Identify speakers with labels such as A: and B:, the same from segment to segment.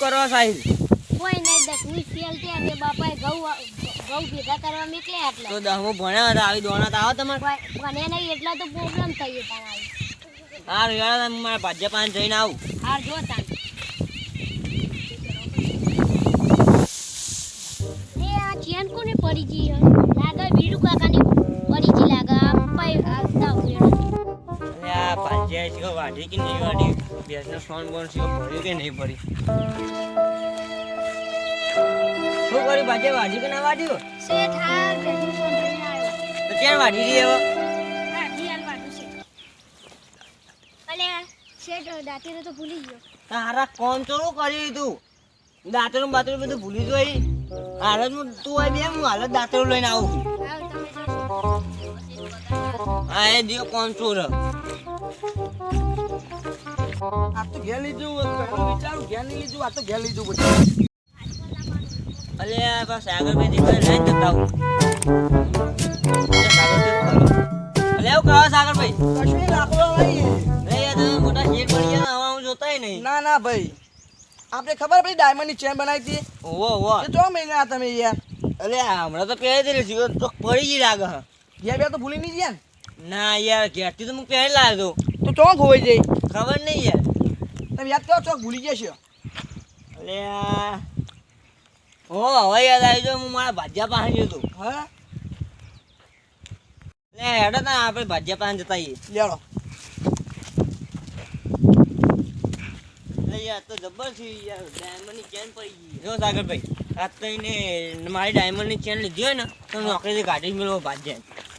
A: કરો સાહિલ?
B: કોઈ નહીં દસમી ફેલ છે તે બાપાએ ઘઉં ભેગા કરવા નીકળ્યા એટલે
A: તો 10મું ભણ્યા હતા આવી દોણા તો આવો તમારે
B: ભણે નહીં એટલા તો પ્રોબ્લેમ થઈ તારા
A: હા યાર મારા ભાજ્ય પાંચ જઈને આવું
B: હાર જો તાન એ આ ચેન કોને પડી ગઈ લાગે વીરુ કાકાની પડી ગઈ લાગે પાઈ આવતા ઉડ્યા
A: અરે આ ભાજ્ય છે વાડી કે નહીં વાડી બેસનો ફોન બોન છે ભરી કે નહીં ભરી શું કરી ભાજ્ય વાડી કે ના વાડી
B: શેઠ હા બેસનો ફોન લઈને આવ્યો
A: તો ક્યાં વાડી રહી હવે
B: હા દિયાલ વાડું છે અલે શેઠ દાંતીને તો ભૂલી ગયો
A: તારા કોમ ચોરું કરી તું દાંતરું બાતરું બધું ભૂલી જોઈ હાલત તું આવી બે હું હાલત દાંતરું લઈને આવું
B: આવ તમે જો
A: હા એ દિયો કોમ ચોર
C: આ તો ઘેર લીધું વિચારું ઘેર નહીં લીધું આ તો ઘેર લીધું બધું
A: અલે આ બસ આગળ મેં દીકરા લઈને જતા હું અલે આવું કહો સાગર ભાઈ
C: કશું લાકડો લઈ
A: નહીં યાર તમે મોટા શેર પડી ગયા હવા હું જોતાય નહીં
C: ના ના ભાઈ આપણે ખબર પડી ડાયમંડની ચેન બનાવી હતી
A: ઓવો ઓવો
C: એ તો મહિના તમે યાર
A: અલે હમણાં તો પહેરી દીધી છે તો પડી ગઈ લાગે હા
C: ઘેર બે તો ભૂલી નહીં ગયા ને
A: ના યાર ઘેરથી તો હું પહેરી લાવ્યો
C: તો ચોક હોઈ જાય
A: ખબર નહીં યાર
C: તમે યાદ કરો ચોક ભૂલી ગયા છો
A: અલે હો હવે યાદ આવી ગયો હું મારા ભાજ્યા પાસે ગયો હતો
C: હા
A: લે હેડો તા આપણે ભાજ્યા પાસે જતા આવીએ
C: લેડો
A: અરે યાર તો જબર છે યાર ડાયમંડની ચેન પડી ગઈ જો સાગરભાઈ આ તો એને મારી ડાયમંડની ચેન લીધી હોય ને તો નોકરીથી કાઢી મેળવો ભાજ્યા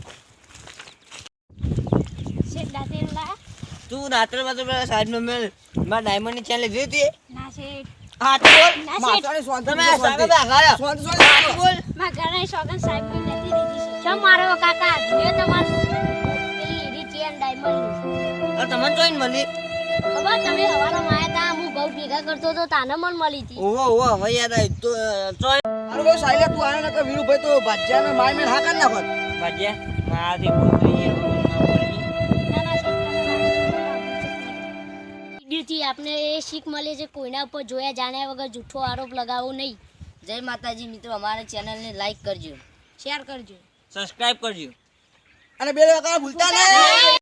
B: શેઠ દાંતીને લા
A: તું રાત્રે બાત્રે પેલા સાહેબનો મેલ મારા ડાયમંડની ચેન લીધી હતી
B: ના શેઠ
A: હા તો બોલ
B: ના શેઠ
C: માતાની સ્વાંતિ
A: તમે સાગરભાઈ આઘાડ્યા
C: સ્વાંતિ
A: બોલ
B: માં ઘરે શોગન સાહેબ ની નથી દીધી છે ચમ મારો કાકા જોયો તમારું પેલી હીરી ચેન ડાયમંડ
A: આ તમને જોઈને મળી
B: ખબર તમે હવારમાં આયા તા હું બહુ ભેગા કરતો તો તાને મન મળી હતી
A: ઓહો ઓહો હવે યાદ આવી તો ચોય
C: અરે ભાઈ સાઈલે તું આવ્યો ને કે વીરુભાઈ તો ભાજ્યાને માર મેં હા કાઢ નાખો
A: ભાજ્યા મારાથી ભૂલ થઈ ગઈ
B: ના ના વિડીયોથી આપને એ શીખ મળે છે કોઈના ઉપર જોયા જાણ્યા વગર જૂઠો આરોપ લગાવવો નહીં
D: જય માતાજી મિત્રો અમારા ચેનલને લાઈક કરજો
B: શેર કરજો
A: સબસ્ક્રાઇબ કરજો
C: અને બે ભૂલતા નહીં